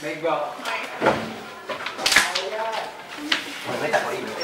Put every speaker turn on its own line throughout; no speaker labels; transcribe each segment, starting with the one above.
ไม่บอก
มันไม่จัดเขาอีกเลย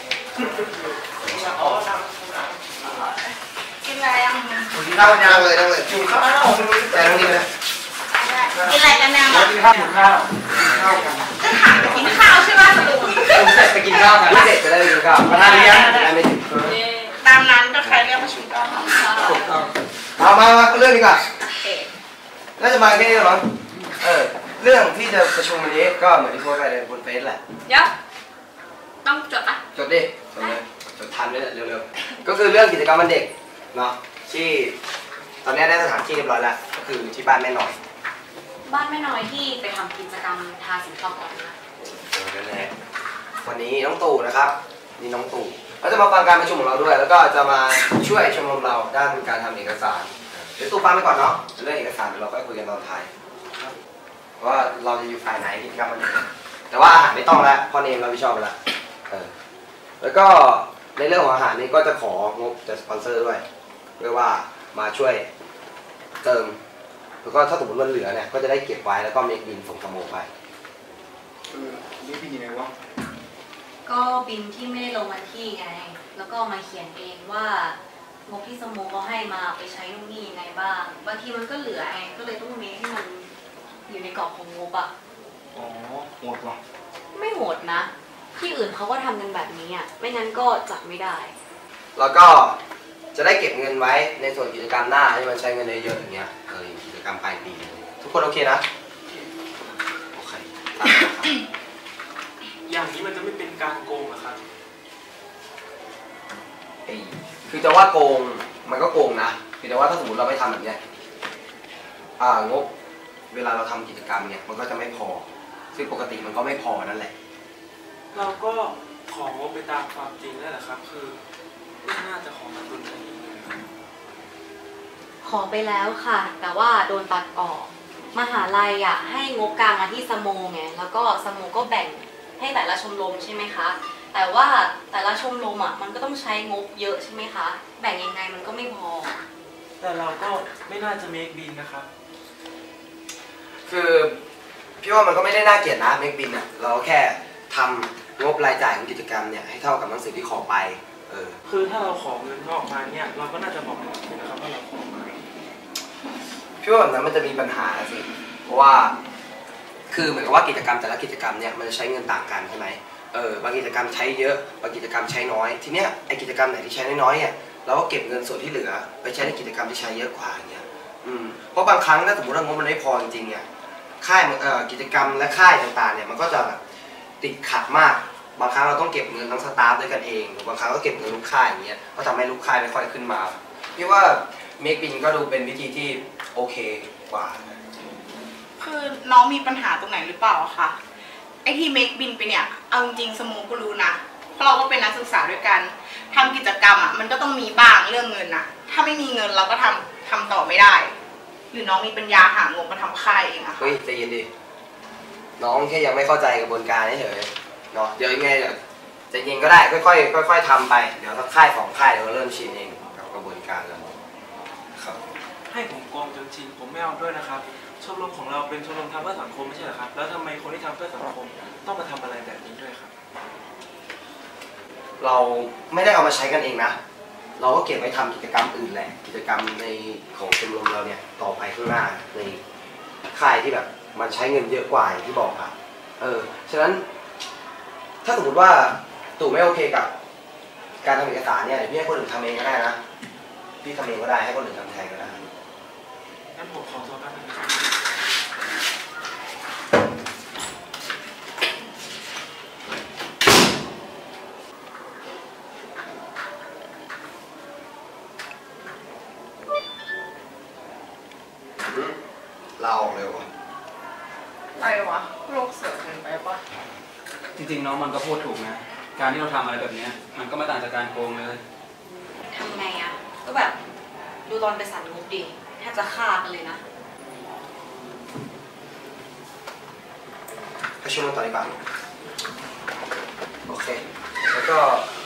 กินอะไรยัง
กินข้าวยังเลยนั่งเลยกินข้าวแต่ตรงนี้เลย
กินอะไรกันเนี่ย
กินข้าวกินข้าว
กันจะถามกินข้าวใช่ไหม
ผมเสร็จไปกินข้าวกันไม่เสร็จจะได้ไปกินข้าวประธานเลี้ยงไม่ถึง
ตามนั้นก็ใครเรียกประชุมก็ทำข้าว
มาเรื่องดีกว่าน่าจะมาแค่นี้หรอมั้งเรื่องที่จะประชุมวันนี้ก็เหมือนที่โพสต์ไปในบนเฟซแหละ
เดี๋ยวต้องจดปะ
จดดิจดเลยจดทันด้วยเร็วๆก็คือเรื่องกิจกรรมวันเด็กเนาะที่ตอนนี้ได้สถานที่เรียบร้อยแล้วก็คือที่บ้านแม่น้อย
บ้านแม่น้อยที่ไปทำกิจกรรมทาสีขาวก่อนนะ
นั่นแหละวันนี้น้องตู่นะครับนี่น้องตู่เขาจะมาฟังการประชุมของเราด้วยแล้วก็จะมาช่วยชมรมเราด้านการทำเอกสารเดี๋ยวตู่ฟังไปก่อนเนาะเรื่องเอกสารเดี๋ยวเราค่อยคุยกันตอนท้ายว่าเราจะอยู่ฝ่ายไหนกิจกรรมวันเด็กแต่ว่าอาหารไม่ต้องแล้วพ่อเนมเราไม่ชอบแล้วแล้วก็ในเรื่องของอาหารนี้ก็จะของบจากสปอนเซอร์ด้วยเพื่อว่ามาช่วยเติมแล้วก็ถ้าสมมติมันเหลือเนี่ยก็จะได้เก็บไว้แล้วก็เมคบินส่งสโมไป
นี่บินยังไงวะ
ก็บินที่ไม่ได้ลงวันที่ไงแล้วก็มาเขียนเองว่างบที่สโมเขาให้มาไปใช้นู่นนี่ยังไงบ้างบางทีมันก็เหลือไงก็เลยต้องเมคให้มันอยู่ในกรอบของงบอ่ะ
อ๋อโหดว่ะ
ไม่โหดนะที่อื่นเขาก็ทำกันแบบนี้อ่ะไม่งั้นก็จัดไม่ได้
แล้วก็จะได้เก็บเงินไว้ในส่วนกิจกรรมหน้าให้มันใช้เงินเยอะๆอย่างเงี้ยกิจกรรมปลายปีทุกคนโอเคนะโอเค
อย่างนี้มันจะไม่เป็นการโกงเหรอครับ
คือจะว่าโกงมันก็โกงนะคือแต่ว่าถ้าสมมติเราไม่ทำแบบเนี้ยงบเวลาเราทำกิจกรรมเนี่ยมันก็จะไม่พอซึ่งปกติมันก็ไม่พอนั่นแหละ
เราก็ของงบไปตามความจริงนั่นแหละครับคือไม่น่าจะของมาตุนอะไรอย่างนี้
ขอไปแล้วค่ะแต่ว่าโดนตัดออกมหาลัยอ่ะให้งบกลางมาที่สโมไงแล้วก็สโมก็แบ่งให้แต่ละชมรมใช่ไหมคะแต่ว่าแต่ละชมรมอ่ะมันก็ต้องใช้งบเยอะใช่ไหมคะแบ่งยังไงมันก็ไม่พอ
แต่เราก็ไม่น่าจะเมคบินนะครับ
คือพี่ว่ามันก็ไม่ได้น่าเกลียดนะเมคบินอ่ะเราแค่ทำงบรายจ่ายของกิจกรรมเนี่ยให้เท่ากับหนังสือที่ขอไป
คือถ้าเราขอเงินออกมาเนี่ยเราก็น่าจะบอกนะครับว่าเราขอมา
พี่ว่าแบบนั้นมันจะมีปัญหาสิเพราะว่าคือเหมือนกับว่ากิจกรรมแต่ละกิจกรรมเนี่ยมันจะใช้เงินต่างกันใช่ไหมบางกิจกรรมใช้เยอะบางกิจกรรมใช้น้อยทีเนี้ยไอกิจกรรมไหนที่ใช้น้อยเนี่ยเราก็เก็บเงินส่วนที่เหลือไปใช้ในกิจกรรมที่ใช้เยอะกว่าอย่างเงี้ยเพราะบางครั้งถ้าสมมติว่างบมันไม่พอจริงๆเนี่ยค่ายกิจกรรมและค่ายต่างๆเนี่ยมันก็จะแบบติดขัดมากบางครั้งเราต้องเก็บเงินทั้งสตาฟด้วยกันเองหรือบางครั้งก็เก็บเงินลูกค่ายอย่างเงี้ยก็ทำให้ลูกค่ายไม่ค่อยขึ้นมาพี่ว่าเมคบินก็ดูเป็นวิธีที่โอเคกว่า
คือน้องมีปัญหาตรงไหนหรือเปล่าคะไอที่เมคบินไปเนี่ยเอาจริงสโมก็รู้นะเพราะเราก็เป็นนักศึกษาด้วยกันทำกิจกรรมอ่ะมันก็ต้องมีบ้างเรื่องเงินนะถ้าไม่มีเงินเราก็ทำต่อไม่ได้หรือน้องมีปัญญาหางบมาทำค่ายเองอะ
เฮ้ยใจเย็นดิน้องแค่ยังไม่เข้าใจกระบวนการเฉยเนาะเดี๋ยวยังไงเดี๋ยวใจเย็นก็ได้ค่อยๆทำไปเดี๋ยวถ้าค่าย2ค่ายเดี๋ยวเริ่มชินเองกับกระบวนการแล้วครับ
ให้ผมโกงจนชินผมไม่เอาด้วยนะครับชมรมของเราเป็นชมรมทำเพื่อสังคมไม่ใช่เหรอครับแล้วทำไมคนที่ทำเพื่อสังคมต้องมาทำอะไรแบบนี้ด้วยครับ
เราไม่ได้เอามาใช้กันเองนะเราก็เก็บไว้ทำกิจกรรมอื่นแหละกิจกรรมในของชมรมเราเนี่ยต่อไปข้างหน้าในค่ายที่แบบมันใช้เงินเยอะกว่าอย่างที่บอกครับฉะนั้นถ้าสมมติว่าตู่ไม่โอเคกับการทำเอกสารเนี่ยพี่ให้คนอื่นทำเองก็ได้นะพี่ทำเองก็ได้ให้คนอื่นทำแทนก็ได้
งั้นผมขอตัวแป๊บนึงนะครับ
เราออกเร็ว
อะไรวะโลกเสือเกินไปปะ
จริงๆน้องมันก็พูดถูกนะการที่เราทำอะไรแบบนี้มันก็ไม่ต่างจากการโกงเลย
ทำไงอะก็แบบดูตอนไปสั่นงบดิแทบจะฆ่ากันเลยนะ
ประชุมกันต่อดีกว่าโอเคแล้วก็